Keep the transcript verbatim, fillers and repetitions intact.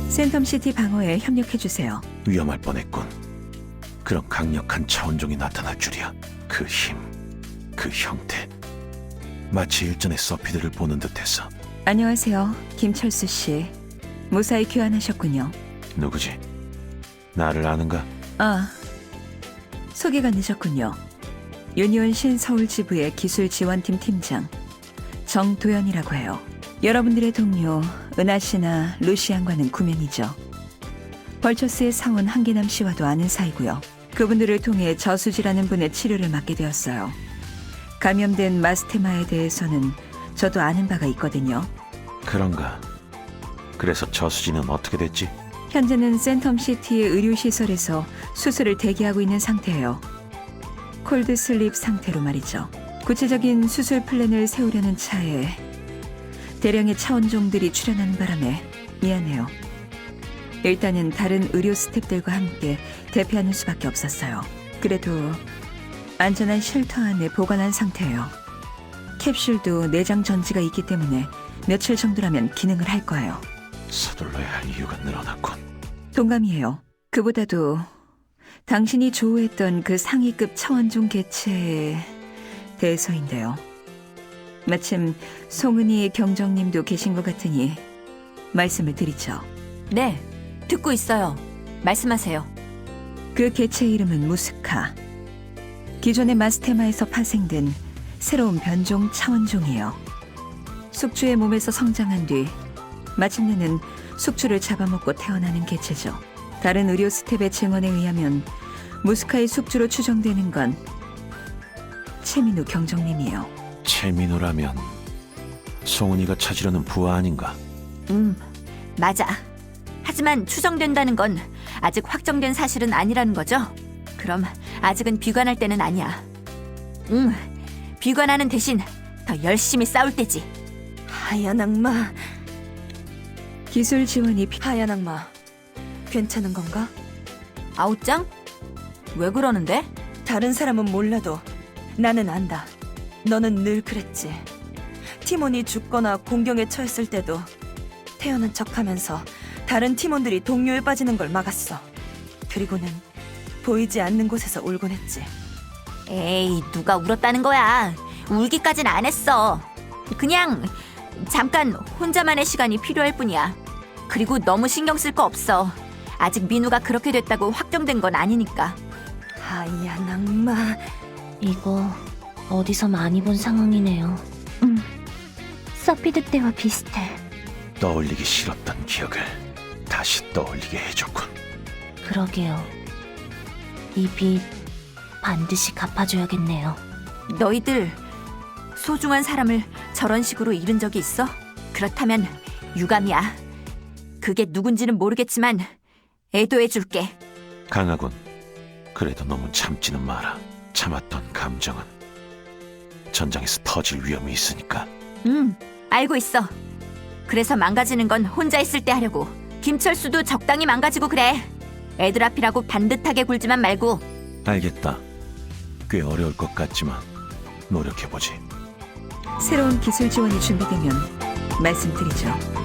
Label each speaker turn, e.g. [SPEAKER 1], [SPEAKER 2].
[SPEAKER 1] 센텀시티 방어에 협력해주세요.
[SPEAKER 2] 위험할 뻔했군. 그런 강력한 차원종이 나타날 줄이야. 그 힘, 그 형태. 마치 일전에 서피드를 보는 듯했어.
[SPEAKER 1] 안녕하세요, 김철수 씨. 무사히 귀환하셨군요.
[SPEAKER 2] 누구지? 나를 아는가?
[SPEAKER 1] 아, 소개가 늦었군요. 유니온 신서울 지부의 기술지원팀 팀장 정도연이라고 해요. 여러분들의 동료 은하 씨나 루시안과는 구면이죠. 벌처스의 사원 한계남 씨와도 아는 사이고요. 그분들을 통해 저수지라는 분의 치료를 맡게 되었어요. 감염된 마스테마에 대해서는 저도 아는 바가 있거든요.
[SPEAKER 2] 그런가? 그래서 저수지는 어떻게 됐지?
[SPEAKER 1] 현재는 센텀시티의 의료시설에서 수술을 대기하고 있는 상태예요. 콜드슬립 상태로 말이죠. 구체적인 수술 플랜을 세우려는 차에 대량의 차원종들이 출현하는 바람에 미안해요. 일단은 다른 의료 스태프들과 함께 대피하는 수밖에 없었어요. 그래도 안전한 쉘터 안에 보관한 상태예요. 캡슐도 내장 전지가 있기 때문에 며칠 정도라면 기능을 할 거예요.
[SPEAKER 2] 서둘러야 할 이유가 늘어났군.
[SPEAKER 1] 동감이에요. 그보다도 당신이 조우했던 그 상위급 차원종 개체에 대해서인데요. 마침 송은이 경정님도 계신 것 같으니 말씀을 드리죠.
[SPEAKER 3] 네, 듣고 있어요. 말씀하세요.
[SPEAKER 1] 그 개체 이름은 무스카. 기존의 마스테마에서 파생된 새로운 변종 차원종이에요. 숙주의 몸에서 성장한 뒤 마침내는 숙주를 잡아먹고 태어나는 개체죠. 다른 의료 스텝의 증언에 의하면 무스카의 숙주로 추정되는 건 최민우 경정님이에요.
[SPEAKER 2] 최민우라면 송은이가 찾으려는 부하 아닌가?
[SPEAKER 3] 음, 맞아. 하지만 추정된다는 건 아직 확정된 사실은 아니라는 거죠? 그럼 아직은 비관할 때는 아니야. 응, 비관하는 대신 더 열심히 싸울 때지.
[SPEAKER 4] 하얀 악마,
[SPEAKER 1] 기술 지원이 피...
[SPEAKER 4] 하얀 악마. 괜찮은 건가?
[SPEAKER 3] 아웃장? 왜 그러는데?
[SPEAKER 4] 다른 사람은 몰라도 나는 안다. 너는 늘 그랬지. 팀원이 죽거나 공경에 처했을 때도 태어난 척하면서 다른 팀원들이 동료에 빠지는 걸 막았어. 그리고는 보이지 않는 곳에서 울곤 했지.
[SPEAKER 3] 에이, 누가 울었다는 거야. 울기까진 안 했어. 그냥 잠깐 혼자만의 시간이 필요할 뿐이야. 그리고 너무 신경 쓸 거 없어. 아직 민우가 그렇게 됐다고 확정된 건 아니니까.
[SPEAKER 4] 하얀 악마.
[SPEAKER 5] 이거 어디서 많이 본 상황이네요. 음, 서피드 때와 비슷해.
[SPEAKER 2] 떠올리기 싫었던 기억을 다시 떠올리게 해줬군.
[SPEAKER 5] 그러게요. 이 빚 반드시 갚아줘야겠네요.
[SPEAKER 3] 너희들 소중한 사람을 저런 식으로 잃은 적이 있어? 그렇다면 유감이야. 그게 누군지는 모르겠지만 애도해줄게.
[SPEAKER 2] 강하군. 그래도 너무 참지는 마라. 참았던 감정은 전장에서 터질 위험이 있으니까.
[SPEAKER 3] 응, 알고 있어. 그래서 망가지는 건 혼자 있을 때 하려고. 김철수도 적당히 망가지고 그래. 애들 앞이라고 반듯하게 굴지만 말고.
[SPEAKER 2] 알겠다. 꽤 어려울 것 같지만 노력해보지.
[SPEAKER 1] 새로운 기술 지원이 준비되면 말씀드리죠.